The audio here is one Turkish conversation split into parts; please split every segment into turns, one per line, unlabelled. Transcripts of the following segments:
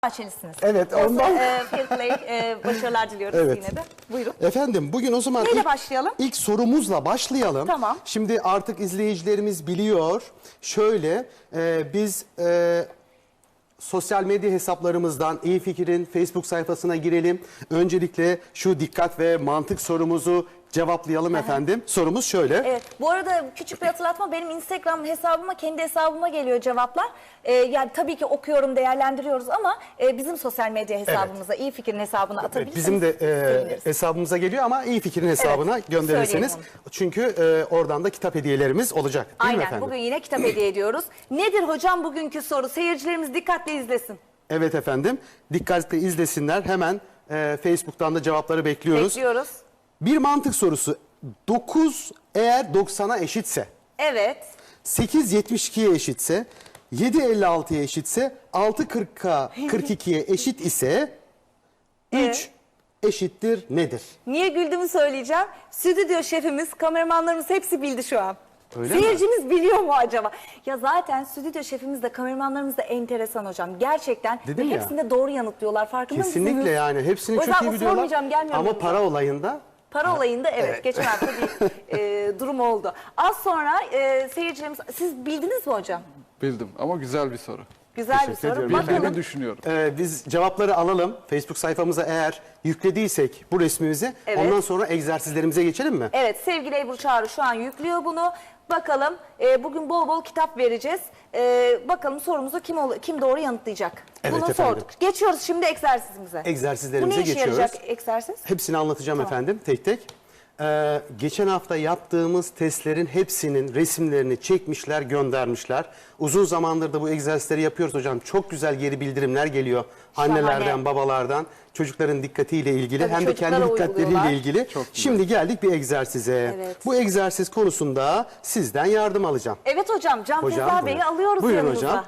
Bahçelisiniz.
Evet, ondan.
Fair play, başarılar diliyoruz
Evet.
yine de. Buyurun.
Efendim bugün o zaman
Neyle başlayalım?
İlk sorumuzla başlayalım.
Tamam.
Şimdi artık izleyicilerimiz biliyor. Şöyle biz sosyal medya hesaplarımızdan İyi Fikir'in Facebook sayfasına girelim. Öncelikle şu dikkat ve mantık sorumuzu cevaplayalım efendim. Sorumuz şöyle.
Evet. Bu arada küçük bir hatırlatma, benim Instagram hesabıma, kendi hesabıma geliyor cevaplar. Yani tabii ki okuyorum, değerlendiriyoruz ama bizim sosyal medya hesabımıza, İyi Fikir'in hesabına atabilirsiniz.
Bizim de
seviniriz.
hesabımıza geliyor ama İyi Fikir'in hesabına gönderirseniz.
söyleyelim
Çünkü oradan da kitap hediyelerimiz olacak. Değil mi
Aynen.
efendim?
Bugün yine kitap hediye ediyoruz. Nedir hocam bugünkü soru? Seyircilerimiz dikkatle izlesin.
Evet efendim. Dikkatle izlesinler. Hemen Facebook'tan da cevapları bekliyoruz.
Bekliyoruz.
Bir mantık sorusu. 9 eğer 90'a eşitse,
Evet.
8 72'ye eşitse, 7 56'ya eşitse, 6 40'a 42'ye eşit ise 3 eşittir nedir?
Niye güldüğümü söyleyeceğim. Stüdyo şefimiz, kameramanlarımız hepsi bildi şu an.
Öyle mi?
Seyircimiz biliyor mu acaba? Ya zaten stüdyo şefimiz de kameramanlarımız da enteresan hocam. Gerçekten
Dedim
ve
ya.
hepsinde doğru yanıtlıyorlar. Farkında mısınız?
Kesinlikle yani. Hepsini
O
çok
yüzden
iyi biliyorlar.
sormayacağım, gelmiyor
Ama
yanımıza.
para olayında
Para olayında evet, geçen hafta bir durum oldu. Az sonra seyircilerimiz, siz bildiniz mi hocam?
Bildim ama güzel bir soru.
Güzel bir
Teşekkür
soru.
ediyorum.
Bildiğimi
Bakalım.
düşünüyorum.
biz cevapları alalım. Facebook sayfamıza eğer yüklediysek bu resmimizi,
Evet.
ondan sonra egzersizlerimize geçelim mi?
Evet, sevgili Ebru Çağrı şu an yüklüyor bunu. Bakalım bugün bol bol kitap vereceğiz. Bakalım sorumuzu kim doğru yanıtlayacak?
Evet
Bunu
efendim.
sorduk. Geçiyoruz şimdi egzersizimize.
Egzersizlerimize
Bu ne işe
geçiyoruz.
yarayacak egzersiz?
Hepsini anlatacağım efendim tek tek. Geçen hafta yaptığımız testlerin hepsinin resimlerini çekmişler, göndermişler. Uzun zamandır da bu egzersizleri yapıyoruz hocam. Çok güzel geri bildirimler geliyor.
Şahane.
Annelerden, babalardan, çocukların dikkatiyle ilgili
Tabii
hem de kendi
çocuklara uyguluyorlar.
dikkatleriyle ilgili.
Çok güzel.
Şimdi geldik bir egzersize.
Evet.
Bu egzersiz konusunda sizden yardım alacağım.
Evet hocam, Can
Hocam,
Feza Bey'i
buyurun.
alıyoruz
Buyurun
yanımıza.
hocam.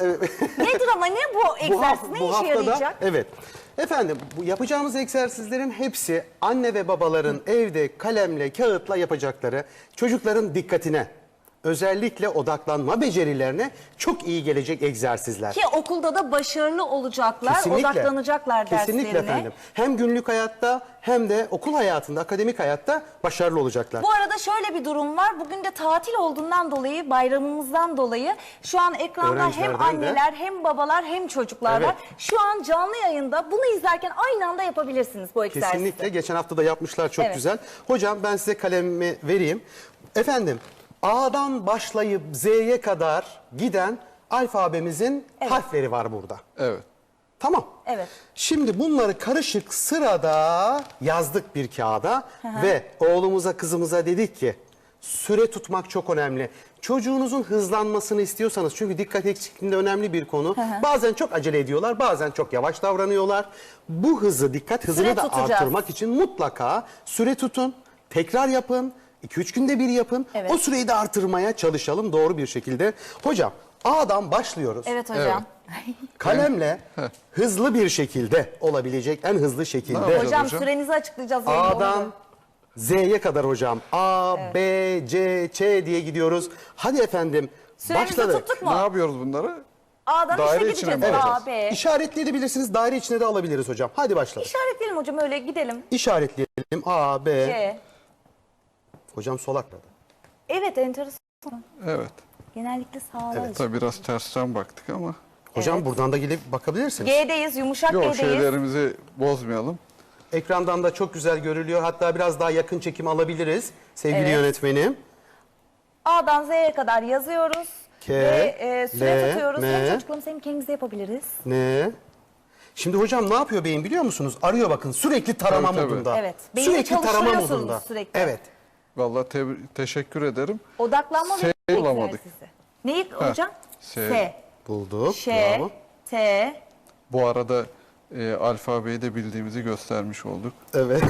Nedir ama ne bu egzersiz? Ne işe yarayacak?
Evet. Efendim bu yapacağımız egzersizlerin hepsi anne ve babaların evde kalemle, kağıtla yapacakları, çocukların dikkatine, özellikle odaklanma becerilerine çok iyi gelecek egzersizler.
Ki okulda da başarılı olacaklar, odaklanacaklar derslerine.
Kesinlikle efendim. Hem günlük hayatta hem de okul hayatında, akademik hayatta başarılı olacaklar.
Bu arada şöyle bir durum var. Bugün de tatil olduğundan dolayı, bayramımızdan dolayı şu an ekranda hem
Öğrencilerden de.
anneler hem babalar hem çocuklar
Evet.
var. Şu an canlı yayında bunu izlerken aynı anda yapabilirsiniz bu egzersizi.
Kesinlikle. Geçen hafta da yapmışlar, çok
Evet.
güzel. Hocam ben size kalemimi vereyim. Efendim A'dan başlayıp Z'ye kadar giden alfabemizin harfleri var burada.
Evet.
Tamam.
Evet.
Şimdi bunları karışık sırada yazdık bir kağıda ve oğlumuza kızımıza dedik ki süre tutmak çok önemli. Çocuğunuzun hızlanmasını istiyorsanız, çünkü dikkat eksikliğinde önemli bir konu. Bazen çok acele ediyorlar, bazen çok yavaş davranıyorlar. Bu hızı, dikkat hızını
Süre
da
tutacağız.
artırmak için mutlaka süre tutun, tekrar yapın, 2-3 günde bir yapın.
Evet.
O süreyi de artırmaya çalışalım doğru bir şekilde. Hocam A'dan başlıyoruz.
Evet hocam.
Kalemle hızlı bir şekilde olabilecek en hızlı şekilde.
yapacağız?
Hocam
hocam?
sürenizi açıklayacağız. yayında, onu
A'dan
da.
Z'ye kadar hocam. A, B, C, Ç diye gidiyoruz. Hadi efendim
Süremizi
başladık.
tuttuk mu?
Ne yapıyoruz bunları?
A'dan
Daire
işe
içine
gideceğiz.
mi
A,
alacağız?
B.
İşaretleyebilirsiniz. Daire içine de alabiliriz hocam. Hadi başladık.
İşaretleyelim hocam, öyle gidelim.
İşaretleyelim. A, B.
C.
Hocam sol akladı.
Evet, enteresan.
Evet.
Genellikle sağlar.
Tabii biraz tersten baktık ama.
Hocam buradan da gelip bakabilirsiniz.
G'deyiz, yumuşak
Yok,
G'deyiz.
şeylerimizi bozmayalım.
Ekrandan da çok güzel görülüyor. Hatta biraz daha yakın çekim alabiliriz sevgili
Evet.
yönetmenim.
A'dan Z'ye kadar yazıyoruz.
K,
Ve süre
L,
tutuyoruz.
M.
Hem çocuklarımız hem kendimiz de yapabiliriz.
Ne? Şimdi hocam ne yapıyor beyin biliyor musunuz? Arıyor bakın, sürekli tarama
Tabii, tabii.
modunda.
Evet. Beyni
Sürekli tarama
çalıştırıyorsunuz
modunda.
sürekli.
Evet.
Vallahi teşekkür ederim.
Odaklanma ve
S bulamadık.
egzersizi. Neyi hocam?
S.
S.
Bulduk.
Ş.
Bravo.
T.
Bu arada alfabeyi de bildiğimizi göstermiş olduk.
Evet.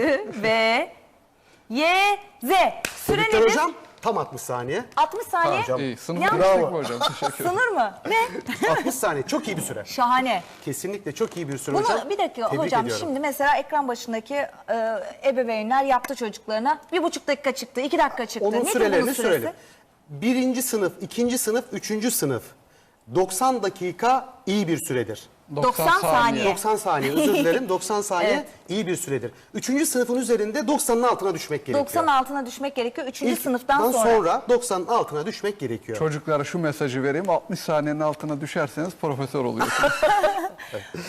V. Y. Z. Süre
Tebrikler
nedir?
hocam. Tam 60 saniye.
60 saniye.
Hocam.
İyi, sınıf
Yanlış.
geçtik
Bravo.
mi hocam? Teşekkür ederim.
Sınır mı? Ne?
60 saniye. Çok iyi bir süre.
Şahane.
Kesinlikle çok iyi bir süre
Bunu
hocam.
bir dakika
Tebrik
hocam,
ediyorum.
şimdi mesela ekran başındaki ebeveynler yaptı çocuklarına. 1,5 dakika çıktı, 2 dakika çıktı.
Onun
Nedir bunun
sürelerini
süresi?
sürelim. 1. sınıf, 2. sınıf, 3. sınıf, 90 dakika iyi bir süredir.
90 saniye.
90 saniye özür dilerim. 90 saniye
Evet.
iyi bir süredir. 3. sınıfın üzerinde 90'ın altına düşmek gerekiyor.
90 altına düşmek gerekiyor. 3.
İlk
sınıftan sonra.
90'ın altına düşmek gerekiyor.
Çocuklara şu mesajı vereyim. 60 saniyenin altına düşerseniz profesör oluyorsunuz.